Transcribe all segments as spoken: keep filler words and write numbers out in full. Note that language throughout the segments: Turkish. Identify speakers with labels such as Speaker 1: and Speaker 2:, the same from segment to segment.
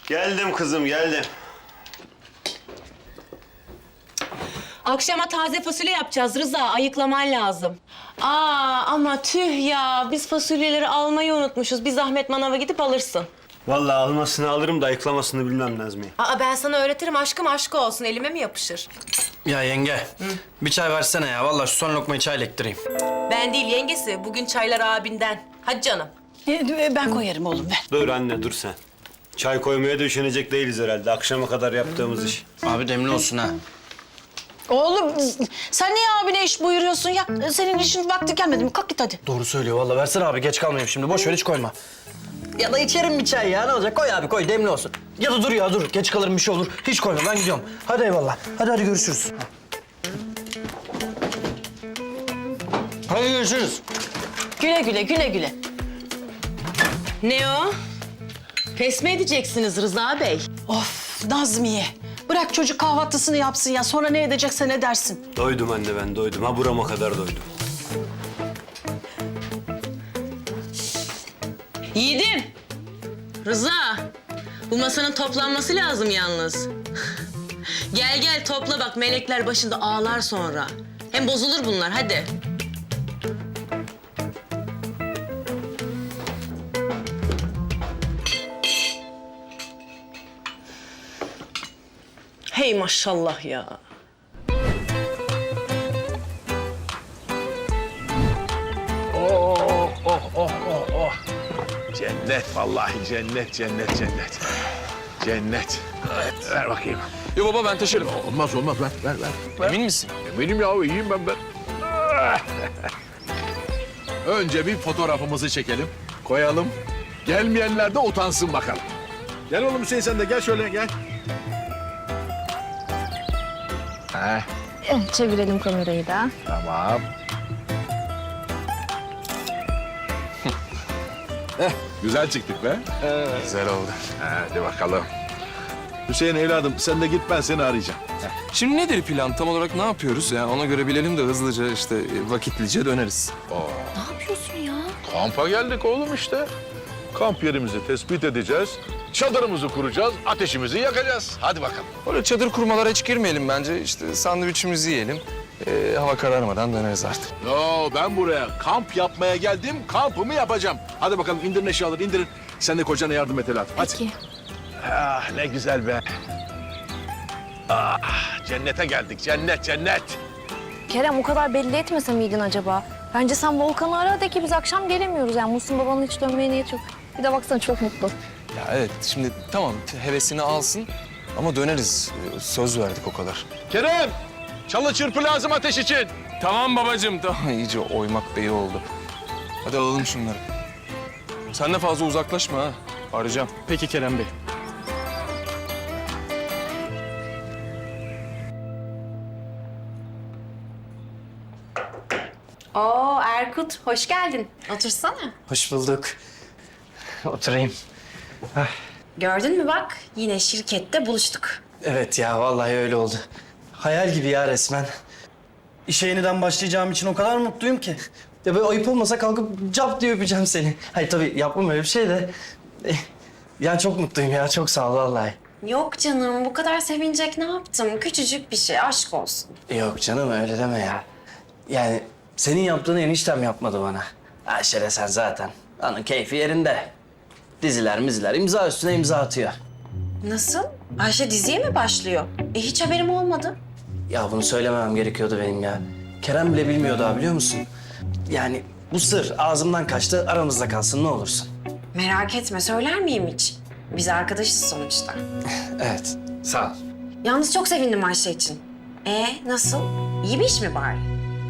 Speaker 1: Geldim kızım, geldim.
Speaker 2: Akşama taze fasulye yapacağız Rıza. Ayıklaman lazım. Aa ama tüh ya. Biz fasulyeleri almayı unutmuşuz. Bir zahmet manava gidip alırsın.
Speaker 1: Vallahi almasını alırım da ayıklamasını bilmem Nazmiye.
Speaker 2: Aa ben sana öğretirim. Aşkım aşkı olsun. Elime mi yapışır?
Speaker 3: Ya yenge, bir çay versene ya. Vallahi şu son lokmayı çayla ektireyim.
Speaker 2: Ben değil yengesi. Bugün çaylar abinden. Hadi canım.
Speaker 4: Ee, Ben koyarım oğlum ver.
Speaker 1: Dur anne, dur sen. Çay koymaya da üşenecek değiliz herhalde. Akşama kadar yaptığımız iş.
Speaker 3: Abi demli olsun ha.
Speaker 4: Oğlum sen niye abine iş buyuruyorsun ya? Senin işin vakti gelmedi mi? Kalk git hadi.
Speaker 3: Doğru söylüyor vallahi. Versene abi, geç kalmayayım şimdi. Boş ver, hiç koyma. Ya da içerim bir çay ya. Ne olacak? Koy abi, koy. Demli olsun. Ya da dur ya, dur. Geç kalırım, bir şey olur. Hiç koyma, ben gidiyorum. Hadi eyvallah. Hadi hadi görüşürüz. Hadi görüşürüz.
Speaker 4: Güle güle güle güle.
Speaker 2: Ne o? Pes mi edeceksiniz Rıza Bey?
Speaker 4: Of Nazmiye. Bırak çocuk kahvaltısını yapsın ya. Sonra ne edecekse ne dersin?
Speaker 1: Doydum anne, ben doydum. Ha burama kadar doydum.
Speaker 2: Yiğidim. Rıza. Bu masanın toplanması lazım yalnız. Gel gel topla bak melekler başında ağlar sonra. Hem bozulur bunlar hadi. Hey maşallah ya.
Speaker 5: Oh, oh, oh, oh, oh. Cennet vallahi cennet, cennet, cennet. Cennet. Evet. Ver bakayım.
Speaker 6: Yo baba ben taşırım.
Speaker 5: Olmaz olmaz ver ver ver. ver.
Speaker 6: Emin misin?
Speaker 5: Eminim ya iyiyim ben ben. Önce bir fotoğrafımızı çekelim, koyalım. Gelmeyenler de utansın bakalım. Gel oğlum Hüseyin sen de gel şöyle gel. Heh,
Speaker 7: Çevirelim kamerayı da.
Speaker 5: tamam. Heh, güzel çıktık be.
Speaker 6: Güzel oldu.
Speaker 5: Hadi bakalım. Hüseyin evladım sen de git ben seni arayacağım.
Speaker 6: Şimdi nedir plan? Tam olarak ne yapıyoruz? Yani ona göre bilelim de hızlıca işte vakitlice döneriz.
Speaker 7: Ne yapıyorsun ya?
Speaker 5: Kampa geldik oğlum işte. Kamp yerimizi tespit edeceğiz. Çadırımızı kuracağız, ateşimizi yakacağız. Hadi bakalım.
Speaker 6: Öyle çadır kurmalara hiç girmeyelim bence. İşte sandviçimizi yiyelim. Ee, hava kararmadan döneriz artık.
Speaker 5: Yo ben buraya kamp yapmaya geldim, kampımı yapacağım. Hadi bakalım indirin eşyaları indirin. Sen de kocana yardım et Elahat. Hadi.
Speaker 7: Peki.
Speaker 5: Ah ne güzel be. Ah cennete geldik, cennet cennet.
Speaker 7: Kerem o kadar belli etmese miydin acaba? Bence sen Volkan'ı ara de ki biz akşam gelemiyoruz. Yani Muhsin babanın hiç dönmeye niyeti yok. Bir de baksana çok mutlu.
Speaker 6: Ya evet şimdi tamam hevesini alsın ama döneriz. Ee, Söz verdik o kadar.
Speaker 5: Kerem, çalı çırpı lazım ateş için.
Speaker 6: Tamam babacığım tamam. İyice oymak beyi oldu. Hadi alalım şunları. Sen de fazla uzaklaşma ha. Arayacağım.
Speaker 3: Peki Kerem Bey.
Speaker 8: Oo Erkut, hoş geldin. Otursana.
Speaker 3: Hoş bulduk. Oturayım.
Speaker 8: Gördün mü bak, yine şirkette buluştuk.
Speaker 3: Evet ya, vallahi öyle oldu. Hayal gibi ya resmen. İşe yeniden başlayacağım için o kadar mutluyum ki. Ya böyle ayıp olmasa kalkıp cap diye öpeceğim seni. Hayır tabii yapmam öyle bir şey de. Eh, Ya çok mutluyum ya, çok sağ ol vallahi.
Speaker 8: Yok canım, bu kadar sevinecek ne yaptım? Küçücük bir şey, aşk olsun.
Speaker 3: Yok canım öyle deme ya. Yani senin yaptığını eniştem yapmadı bana. Ayşe de sen zaten. Onun keyfi yerinde. Diziler miziler imza üstüne imza atıyor.
Speaker 8: Nasıl? Ayşe diziye mi başlıyor? E hiç haberim olmadı.
Speaker 3: Ya bunu söylememem gerekiyordu benim ya. Kerem bile bilmiyor daha biliyor musun? Yani bu sır ağzımdan kaçtı, aramızda kalsın ne olursun.
Speaker 8: Merak etme, söyler miyim hiç? Biz arkadaşız sonuçta.
Speaker 3: Evet, sağ ol.
Speaker 8: Yalnız çok sevindim Ayşe için. E nasıl? İyi bir iş mi bari?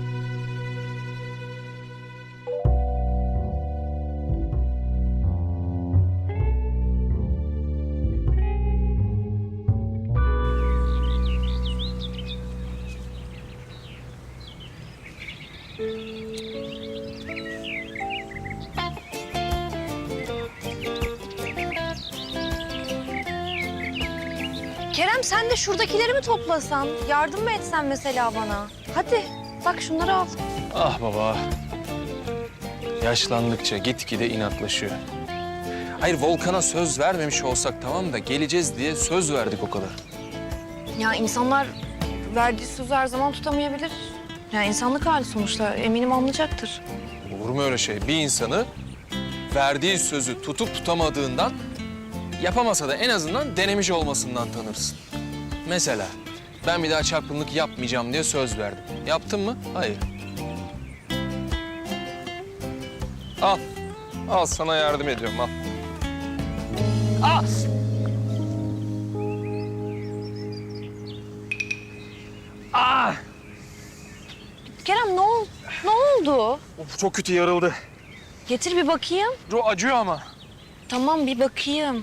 Speaker 7: Kerem sen de şuradakileri mi toplasan? Yardım mı etsen mesela bana? Hadi bak şunları al.
Speaker 6: Ah baba. Yaşlandıkça gitgide inatlaşıyor. Hayır Volkan'a söz vermemiş olsak tamam da geleceğiz diye söz verdik o kadar.
Speaker 7: Ya insanlar verdiği sözü her zaman tutamayabilir. Yani insanlık hali sonuçta. Eminim anlayacaktır.
Speaker 6: Olur mu öyle şey? Bir insanı verdiği sözü tutup tutamadığından, yapamasa da en azından denemiş olmasından tanırsın. Mesela ben bir daha çapkınlık yapmayacağım diye söz verdim. Yaptın mı? Hayır. Al. Al sana yardım ediyorum al. Al. Ah!
Speaker 7: Kerem ne oldu? Ne oldu?
Speaker 6: Of, çok kötü yarıldı.
Speaker 7: Getir bir bakayım.
Speaker 6: Ro acıyor ama.
Speaker 7: Tamam bir bakayım.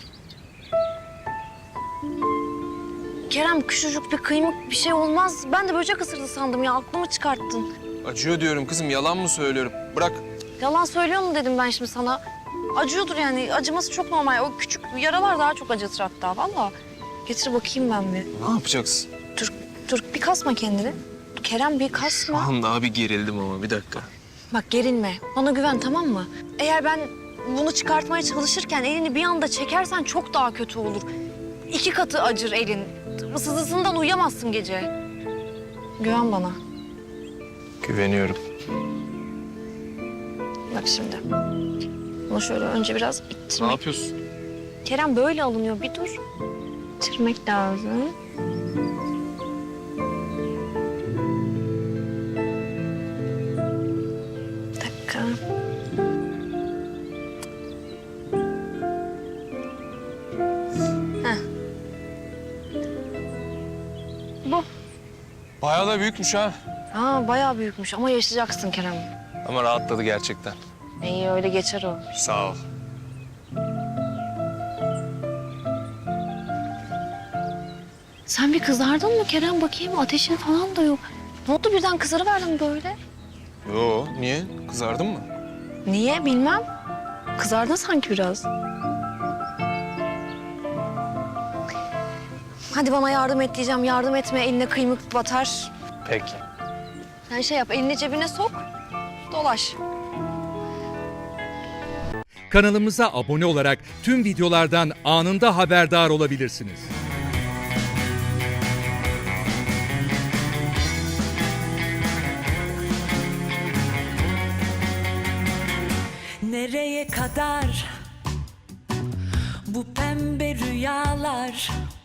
Speaker 7: Kerem küçücük bir kıymık bir şey olmaz. Ben de böcek ısırdı sandım ya. Aklımı çıkarttın.
Speaker 6: Acıyor diyorum kızım yalan mı söylüyorum? Bırak.
Speaker 7: Yalan söylüyor mu dedim ben şimdi sana. Acıyordur yani. Acıması çok normal. O küçük yaralar daha çok acıtır hatta. Vallahi. Getir bakayım ben bir.
Speaker 6: Ne yapacaksın?
Speaker 7: Dur, dur bir kasma kendini. Kerem bir kasma.
Speaker 6: An daha bir gerildim ama bir dakika.
Speaker 7: Bak gerilme. Bana güven tamam mı? Eğer ben bunu çıkartmaya çalışırken elini bir anda çekersen çok daha kötü olur. İki katı acır elin. Sızısından uyuyamazsın gece. Güven bana.
Speaker 6: Güveniyorum.
Speaker 7: Bak şimdi. Bunu şöyle önce biraz
Speaker 6: Ne
Speaker 7: ittirmek.
Speaker 6: yapıyorsun?
Speaker 7: Kerem böyle alınıyor. Bir dur. İttirmek lazım. Bir dakika. Heh. Bu.
Speaker 6: Bayağı da büyükmüş ha.
Speaker 7: Aa bayağı büyükmüş ama yaşayacaksın Kerem.
Speaker 6: Ama rahatladı gerçekten.
Speaker 7: İyi öyle geçer o.
Speaker 6: Sağ ol.
Speaker 7: Sen bir kızardın mı Kerem? Bakayım ateşin falan da yok. Ne oldu birden kızarıverdin böyle?
Speaker 6: Yo niye? Kızardın mı?
Speaker 7: Niye bilmem. Kızardın sanki biraz. Hadi bana yardım et diyeceğim. Yardım etme eline kıymık batar.
Speaker 6: Peki.
Speaker 7: Sen şey yap elini cebine sok. Dolaş.
Speaker 9: Kanalımıza abone olarak tüm videolardan anında haberdar olabilirsiniz.
Speaker 10: Nereye kadar bu pembe rüyalar?